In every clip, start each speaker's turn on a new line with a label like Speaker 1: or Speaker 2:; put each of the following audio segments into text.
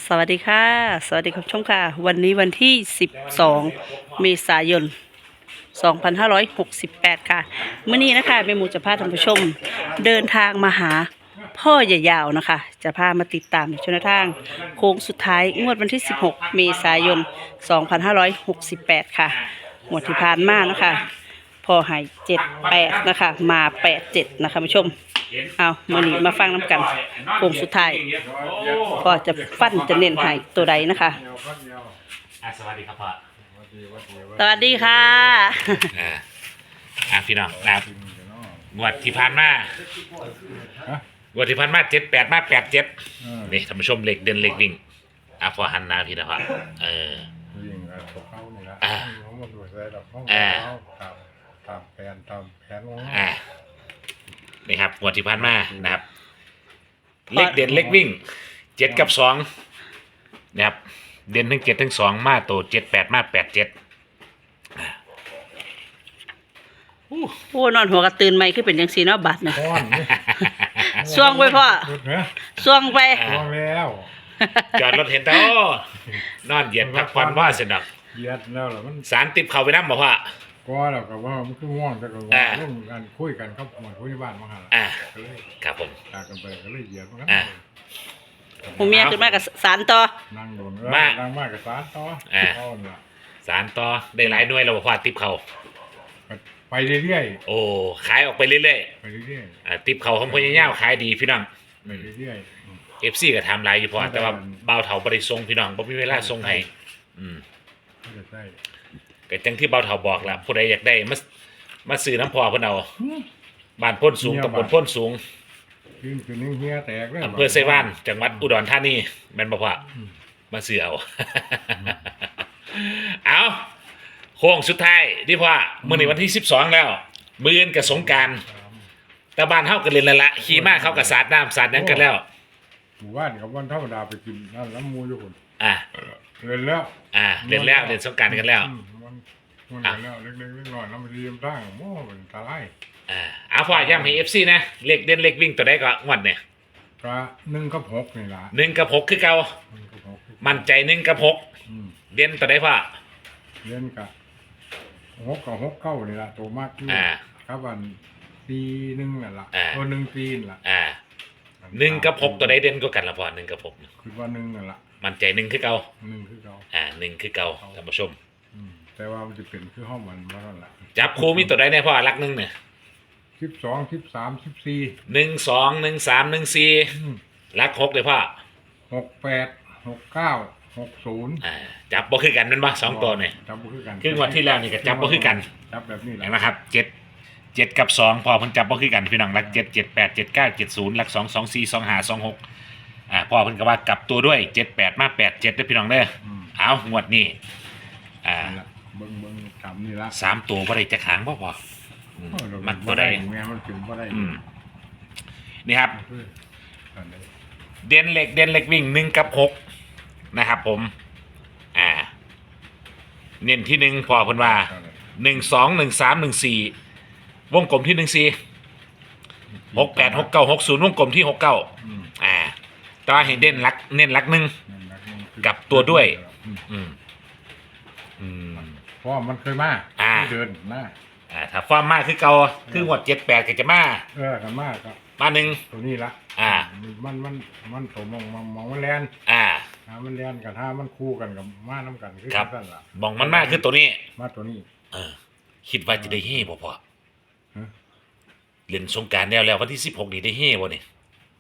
Speaker 1: สวัสดีค่ะสวัสดีคุณผู้ชมค่ะวันนี้วันที่12เมษายน2568ค่ะมื้อนี้นะคะแม่หมูจะพาท่านผู้ชมเดินทางมาหาพ่อใหญ่ยาวนะคะจะพามาติดตามชนทางโค้งสุดท้ายงวดวันที่16เมษายน2568ค่ะงวดที่ผ่านมานะคะพ่อให้78นะคะมา87นะคะผู้ชมเอามื้อนี้มาฟังน้ำกันโค้งสุดท้ายพ่อจะฟันจะเน้นให้ตัวใดนะคะ
Speaker 2: สวัสดีครับพ่อ
Speaker 1: สวัสดีค่ะ
Speaker 2: พี่น้องนะครับงวดที่ผ่านมางวดที่ผ่านมา78มา87นี่ท่านผู้ชมเหล็กเดินเหล็กวิ่งพอหันหน้าพี่นะพ่อ
Speaker 3: วิ่งตกเข้านี่ละเขาหมดหัวใจดอกห้องตามแผนของ
Speaker 2: นี่ครับงวดที่ผ่านมานะครับเล็กเด่นเล็กวิ่ง7กับ2นะครับเด่นทั้ง7ทั้ง2มาโต78มา87
Speaker 1: โอ้นอนหัวกระตื่นไหมคือเป็นจังซี่เนาะบัดน่ะช่วงไปพ่อช่วงไป
Speaker 3: แล้ว
Speaker 2: จอดรถเห็นแต่นอนเหยียดพักผ่อนว่าเสร็จดอก
Speaker 3: เหยียดแล้วล่ะมัน
Speaker 2: สารติบเข้าไปนำบ่พ่อ
Speaker 3: ก็แล้วก็ว่ามันคือง่วงแต่ก็ร่วมกันคุยกันครับหมดคุยบ้านมาหั่น
Speaker 2: ครับผม
Speaker 3: กันไปก็เลยเหยียดมันกัน
Speaker 1: ผู้เมียขึ้นมากับสารต่อ
Speaker 3: นั่งโดนนั่งมากกับสารต่อ
Speaker 2: สารต่อได้หลายหน่วยแล้วบ่พ่อติบเข้า
Speaker 3: ไปเรื่อย
Speaker 2: ๆโอ้ขายออกไปเรื่อย
Speaker 3: ๆไปเรื่อย
Speaker 2: ๆติบเข้าของพ่อใหญ่ยาวขายดีพี่น้อง
Speaker 3: ไปเรื่อย
Speaker 2: ๆ FC ก็ทำหลายอยู่พอแต่ว่าเบาเฒ่าบ่ได้ส่งพี่น้องบ่มีเวลาส่งให้ก็จังที่เบาเฒ่าบอกล่ะผู้ใดอยากได้มาซื้อน้ำพ่อเพิ่นเอาบ้านพ้นสูงตำบลพ้นสูง
Speaker 3: คือนิ่งเฮียแตกเลย
Speaker 2: อำเภอไซว่านจังหวัดอุดรธานีแม่นบ่พ่อมาซื้อเอาเอาโค้งสุดท้ายที่พ่อมื้อนี้วันที่12แล้วมื้ออื่นก็สงกรานต์แต่บ้านเฮาก็เล่นแล้วล่ะขี่ม้าเขาก็สาดน้ำสาดหยังกันแล้ว
Speaker 3: หมู่บ้านกับวันธรรมดาไปกินนั่นน้ำมูอยู่คนเล่นแล้ว
Speaker 2: เล่นสงกรานต์กันแล้ว
Speaker 3: มันแล้วเล็กๆน้อยๆน้ำมันเรียมตั้งโม่เป็นตาย
Speaker 2: พ่อย้ำให้ FC นะเลขเด่นเลขวิ่งตัวใดก็งวดเนี่ย
Speaker 3: ก็1กับ6นี่ล่ะ
Speaker 2: 1กับ6คือเก่ามั่นใจ1กับ6เด่นตัวใดพ่อ
Speaker 3: เด่นกับ6กับ6 9นี่ล่ะตัวมากที่ครับวันปี1นั่นล่ะ1ปีนั่นล่ะ
Speaker 2: 1กับ6ตัวใดเด่นกว่ากันล่ะพ่อ1กับ6
Speaker 3: คือว่า1นั่นล่ะ
Speaker 2: มั่นใจ1คือเก่า
Speaker 3: 1คือเก่า
Speaker 2: 1คือเก่าท่านผู้ชม
Speaker 3: แต่ว่ามันจะเป็นคือห้องมันว่านั่นล่ะ
Speaker 2: จับคู่มีตัวใดแน่พ่อหลัก1เนี่ย
Speaker 3: 12 13 14
Speaker 2: 1 2 1 3 1 4หลัก6เลยพ่อ
Speaker 3: 68 69 60
Speaker 2: จับบ่คือกันแม่นบ่2ตัวเนี่ย
Speaker 3: จับบ่คือกัน
Speaker 2: คืองวดที่แล้วนี่ก็จับบ่คือกัน
Speaker 3: จับแบบนี้แหละ
Speaker 2: นะครับ7กับ2พอเพิ่นจับบ่คือกันพี่น้องหลัก7 78 79 70หลัก2 24 25 26พ่อเพิ่นก็ว่ากลับตัวด้วย78มา87เด้อพี่น้องเด้อเอางวดนี้
Speaker 3: เบิ่งจำนี่ละ
Speaker 2: 3ตัวบ่ได้จักหางบ่พอมันตัวใด
Speaker 3: มันถึงบ่ได้
Speaker 2: นี่ครับเด่นเล็กวิ่ง1กับ6นะครับผมเน้นที่1พอเพิ่นว่า1 2 1 3 1 4วงกลมที่1 4 6 8 6 9 6 0วงกลมที่69ตาให้เน้นหลัก1กับตัวด้วย
Speaker 3: เพราะมันเคยมาเดินมา
Speaker 2: ถ้าฟอร์มมากคือเก่าคืองวด78ก็จะมา
Speaker 3: กันมากครับ
Speaker 2: มา1
Speaker 3: ตัวนี้ละมันตัวมองมันแลนมันแลนกับถ้ามันคู่กันกับมาน้ำกันคือ
Speaker 2: นั่นล่ะมองมันมากคือตัวนี้
Speaker 3: มาตัวนี้
Speaker 2: คิดว่าจะได้เฮ่บ่พอเล่นสงกรานต์แล้ววันที่16นี่ได้เฮ่บ่นี่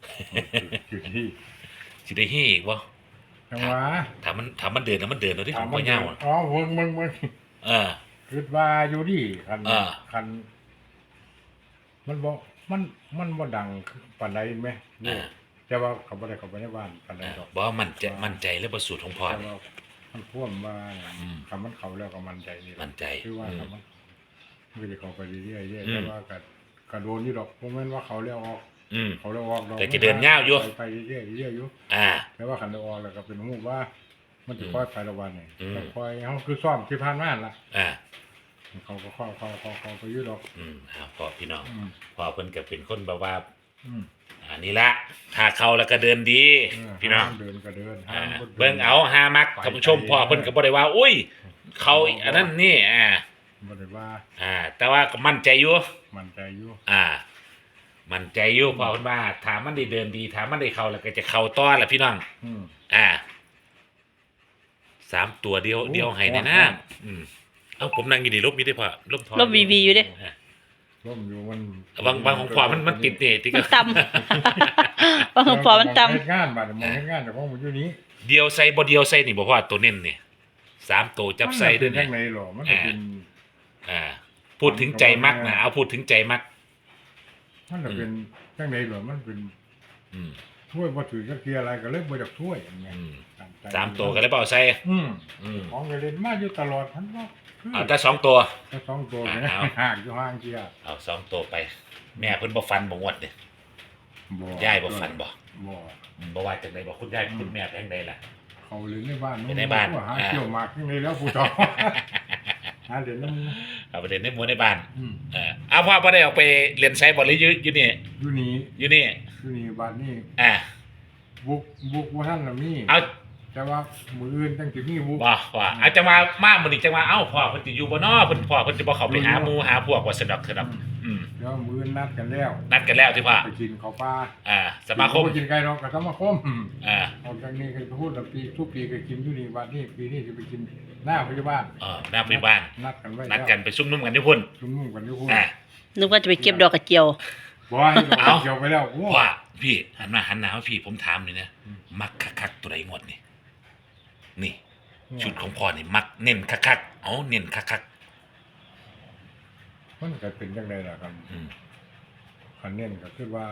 Speaker 2: สิได้เฮ่อีกบ่
Speaker 3: จังหวะ
Speaker 2: ถ้ามันเดินแล้วมันเดินแล้วที่ผมบ่ยาว
Speaker 3: มึงคิดว่าอยู่ดิคันมันบ่ดังปานใดมั้ยแต่ว่าเขาบ่ได้เข้าไปในบ้านปานใดดอก
Speaker 2: บ่มั่นใจแล้วบ่สูตรของพ่อ
Speaker 3: มันพ่วงมาคำมันเข้าแล้วก็มั่นใจนี่
Speaker 2: มั่นใจ
Speaker 3: คือว่ามันสิเข้าไปเรื่อยๆแต่ว่าก็โดนอยู่ดอกบ่แม่นว่าเขาแล้วออกเขาแล้วออกดอก
Speaker 2: แต่จะเดินยาวอยู่
Speaker 3: ไปเรื่อยๆอยู่แต่ว่าคันออกแล้วก็เป็นฮู้ว่ามันจะค่อยไประวันนี่ค่อยเฮาคือซ้อมที่ผ่านมาล่ะเขาก็เข้าไปอยู่ดอก
Speaker 2: พ่อพี่น้องพ่อเพิ่นก็เป็นคนแบบว่าอันนี้ละหาเขาแล้วก็เดินดีพี่น้อง
Speaker 3: เดินก็เดิน
Speaker 2: เบิ่งเอาหามักท่านผู้ชมพ่อเพิ่นก็บ่ได้ว่าอุ้ยเขาอันนั้นนี่
Speaker 3: บ่ได้ว่า
Speaker 2: แต่ว่าก็มั่นใจอยู่
Speaker 3: มันใจอยู่
Speaker 2: มั่นใจอยู่พ่อเพิ่นว่าถามมันได้เดินดีถามมันได้เข้าแล้วก็จะเข้าต่อล่ะพี่น้อง3ตัวเดียวให้แน่นะเอ้าผมนั่งอยู่นี่ลบมีได้พ่อลบทอ
Speaker 1: ลบวีอยู่เด้
Speaker 3: ร่มอยู่มัน
Speaker 2: บางของพ่อมันติดนี่ที่
Speaker 1: มันต่ำ บางของพ่อมันต่ำ
Speaker 3: เฮ็ดงานบัดมองเฮ็ดงานแต่ของมันอยู่นี้
Speaker 2: เดียวใส่บ่เดียวใส่นี่บ่พ่อตัวเน้นนี่3ตัวจับใส่ด้วย
Speaker 3: นี่
Speaker 2: นี่
Speaker 3: ในหรอมันก็เป็น
Speaker 2: พูดถึงใจมักนะเอาพูดถึงใจมัก
Speaker 3: มันก็เป็นจังได๋หรอมันเป็นถ้วยบ่ถือจักเทียอะไรก็เลยบ่อยากถ้วยอย่างเงี้ย
Speaker 2: 3ตัวก็เลยเปล่าใส่
Speaker 3: ของก็เล่นมาอยู่ตลอดทั้งว่า
Speaker 2: เอาแต่2ตัว
Speaker 3: ถ้า2ตัวเนี่ย
Speaker 2: เอา
Speaker 3: ห่างอยู่ห่างเทีย
Speaker 2: เอา2ตัวไป แม่เพิ่นบ่ฟันบ่งวดเด้
Speaker 3: บ่
Speaker 2: ยายบ่ฟันบ่
Speaker 3: บ่
Speaker 2: บ่ว่าจังไดบ่คุณยายคุณแม่แพงใดล่ะ
Speaker 3: เขาเล่นในบ้าน
Speaker 2: ไปในบ้าน
Speaker 3: หาเที่ยวหมากจังไดแล้วผู้ชอบหาเล่นน้ำ
Speaker 2: เอาไปเล่นในหมู่ในบ้านเอาพ่อบ่ได้ออกไปเรียนไสบ่หรืออยู่นี่
Speaker 3: อยู่นี่
Speaker 2: อยู่นี่
Speaker 3: อยู่นี่บ้านนี่
Speaker 2: อ่า
Speaker 3: บุกบ่ทันน่ะมี
Speaker 2: เอา
Speaker 3: แต่ว่ามื้ออื่นจังสิมีบุก
Speaker 2: บ่ว่าอาจจะมามื้อนี้จังว่าเอ้าพ่อเพิ่นสิอยู่บ่น้อเพิ่นพ่อเพิ่นสิบ่เข้าไปหาหมู่หาพวกว่าสนับ
Speaker 3: เดี๋ยวมื้ออื่นนัดกันแล้ว
Speaker 2: นัดกันแล้วที่พ่อ
Speaker 3: ไปกินข้าวปลา
Speaker 2: สมาคม
Speaker 3: ไปกินไก่ดอกกับสมาคม
Speaker 2: อ่า
Speaker 3: จากนี้ก็พูดว่าปีทุกปีก็กินอยู่นี่วันนี้ปีนี้จะไปกินหน้าพยาบาล
Speaker 2: หน้าพยาบาล
Speaker 3: นัดกันไว้
Speaker 2: นัดกันไปซุ่มนุ่มกันที่พุ่น
Speaker 3: ชุมนุมกันอยู่พุ่น
Speaker 1: นึกว่าจะไปเก็บดอกกระเจียว
Speaker 3: บ่ให้ดอกเกี่ยวไปแล้วโอ้
Speaker 2: ว่าพี่หันหน้าพี่ผมถามเลยนะมักคักตัวใดงวดนี่นี่ชุดของพ่อนี่มักเน้นคักเอาเน้นคัก
Speaker 3: มันก็เป็นจังไดล่ะครับคันเน้นก็คือว่า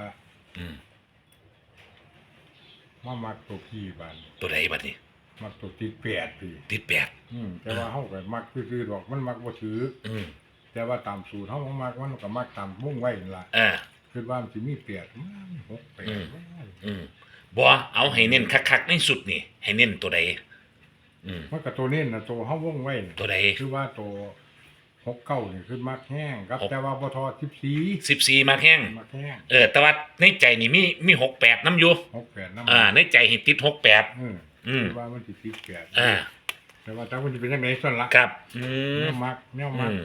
Speaker 3: มามักตัวพี่บ้าน
Speaker 2: ตัวใดบัดนี้
Speaker 3: มักตัวติดแปดพี่
Speaker 2: ติดแปด
Speaker 3: แต่ว่าเฮาก็มักซื่อๆดอกมันมักบ่ถือแต่ว่าตามสูตรเฮามักมันก็มักตามมุ่งไว้นั่นล่ะคือว่ามันสิมีแปด6 8
Speaker 2: บ่เอาให้เน้นคักในสุดนี่ให้เน้นตัวใด
Speaker 3: มันก็ตัวเน้นน่ะตัวเฮาวงไว้
Speaker 2: ตัวใด
Speaker 3: คือว่าตัว69นี่คือมักแห้งครับแต่ว่าบ่ทอ14
Speaker 2: 14มาแข้ง
Speaker 3: มักแห้ง
Speaker 2: แต่ว่าในใจนี่มี68นำอยู่
Speaker 3: 68นำ
Speaker 2: ในใจให้ติด68
Speaker 3: คือว่ามันสิติด8แต่ว่าถ้ามันสิเป็นจังได๋ซั่นล่ะ
Speaker 2: ครับ
Speaker 3: แนวมัก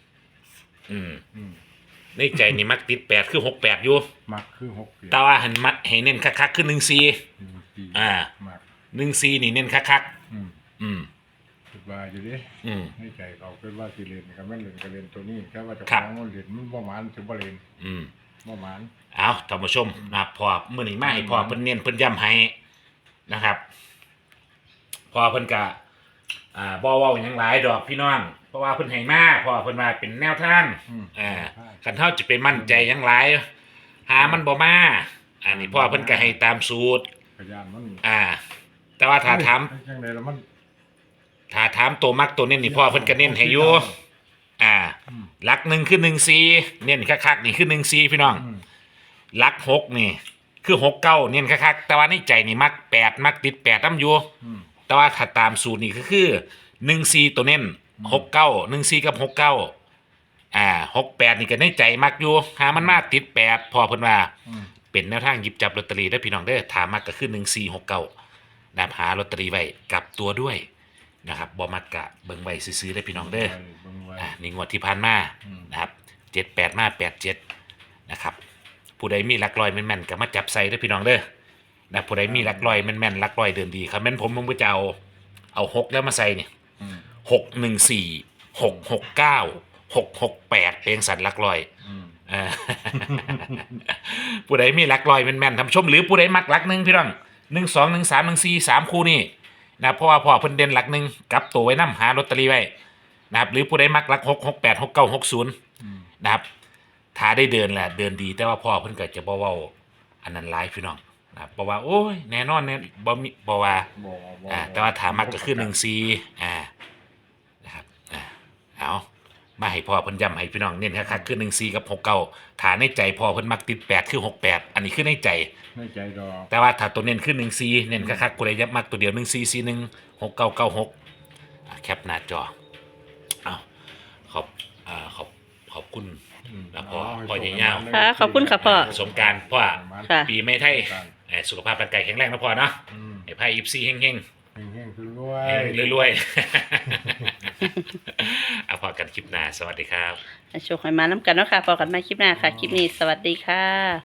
Speaker 2: ในใจนี่มักติด8คือ68อยู่
Speaker 3: มักคือ68
Speaker 2: แต่ว่าหันมัดให้เน้นคักๆคือ14
Speaker 3: มัก
Speaker 2: 14นี่เน้นคัก
Speaker 3: คิดว่าอยู่ดิในใจเขาคิดว่าสิเล่นก็แม่นเล่นก็เล่นตัวนี้แต่ว่าเจ้า
Speaker 2: ครั
Speaker 3: ข
Speaker 2: บ
Speaker 3: องมันเล่นมันบ่หมานสิบ่เล่นบ่หมาน
Speaker 2: เอาท่านผู้ชมนะพอมื้อนี้มาให้พอเพิ่นเน้นเพิ่นย้ำให้นะครับพอเพิ่นก็บ่เว้าหยังหลายดอกพี่น้องเพราะว่าเพิ่นให้มาพอเพิ่นว่าเป็นแนวทางคันเฮาจะไปมั่นใจหยังหลายหามันบ่มาอันนี้พ่อเพิ่นก็ให้ตามสูตร
Speaker 3: พยานมัน
Speaker 2: แต่ว่าถ้าถาม
Speaker 3: จังได๋แล้วมัน
Speaker 2: ถ้าถามตัวมักตัวเน้นนี่พ่อเพิ่นก็เน้นให้อยู่หลัก1คือ14เน้นคักๆนี่คือ14พี่น้องหลัก6นี่คือ69เน้นคักๆแต่ว่าในใจนี่มัก8มักติด8นำอยู่แต่ว่าถ้าตามสูตรนี่ก็คือ14ตัวเน้น69 14กับ69 68นี่ก็ในใจมักอยู่หามันมาติด8พอเพิ่นว่าเป็นแนวทางหยิบจับลอตเตอรี่ได้พี่น้องเด้อถามมักก็คือ1469นะครับหาลอตเตอรี่ไว้กลับตัวด้วยนะครับบ่มักกะเบิ่งไว้ซื้อๆได้พี่น้องเด้อนี่งวดที่ผ่านมานะครับ78มา87นะครับผู้ใดมีหลักร้อยแม่นๆก็มาจับใส่ได้พี่น้องเด้อนะผู้ใดมีหลักร้อยแม่นๆหลักร้อยเดินดีครับแม่นผมก็จะเอา6แล้วมาใส่นี่614 669 668เพลงสันหลักร้อยผู้ใดมีหลักร้อยแม่นๆทำชมหรือผู้ใดมักหลัก1พี่น้อง1 2 1 3 1 4 3คู่นี่นะเพราะว่าพ่อเพิ่นเด่นหลัก1กลับตัวไว้นำหาลอตเตอรี่ไว้นะครับหรือผู้ใดมักหลัก6 68 69 60นะครับถ้าได้เดินแหละเดินดีแต่ว่าพ่อเพิ่นก็จะบ่เว้าอันนั้นหลายพี่น้องนะครับบ่ว่าโอ้ยแน่นอนแน่บ่ว่าแต่ว่าถามมักก็คือ14นะครับเอามาให้พ่อเพิ่นย้ำให้พี่น้องเน้นคักๆคือ14กับ69ถ้าในใจพ่อเพิ่นมักติด8คือ68อันนี้คือในใจ
Speaker 3: ดอก
Speaker 2: แต่ว่าถ้าตัวเน้นคือ14เน้นคักๆผู้ใดยับมักตัวเดียว1441 6996แคปหน้าจอเอาขอบคุณนะพ่อใหญ่ยาว
Speaker 1: ค่ะขอบคุณค่ะพ่อ
Speaker 2: สงกรารพ่อ
Speaker 1: ค่ะ
Speaker 2: ปีไม่ไทยสุขภาพร่างกายแข็งแรงนะพ่อเนาะ
Speaker 3: อืม
Speaker 2: ไอ้ไพ่ยิปซีเฮง
Speaker 3: เฮงๆคือรว
Speaker 2: ๆ
Speaker 3: ย
Speaker 2: เฮงรวยๆ เอาพอกันคลิปหน้าสวัสดีครับ
Speaker 1: โชคให้มาน้ำกันเนาะค่ะพอกันใหม่คลิปหน้าค่ะ คลิปนี้สวัสดีค่ะ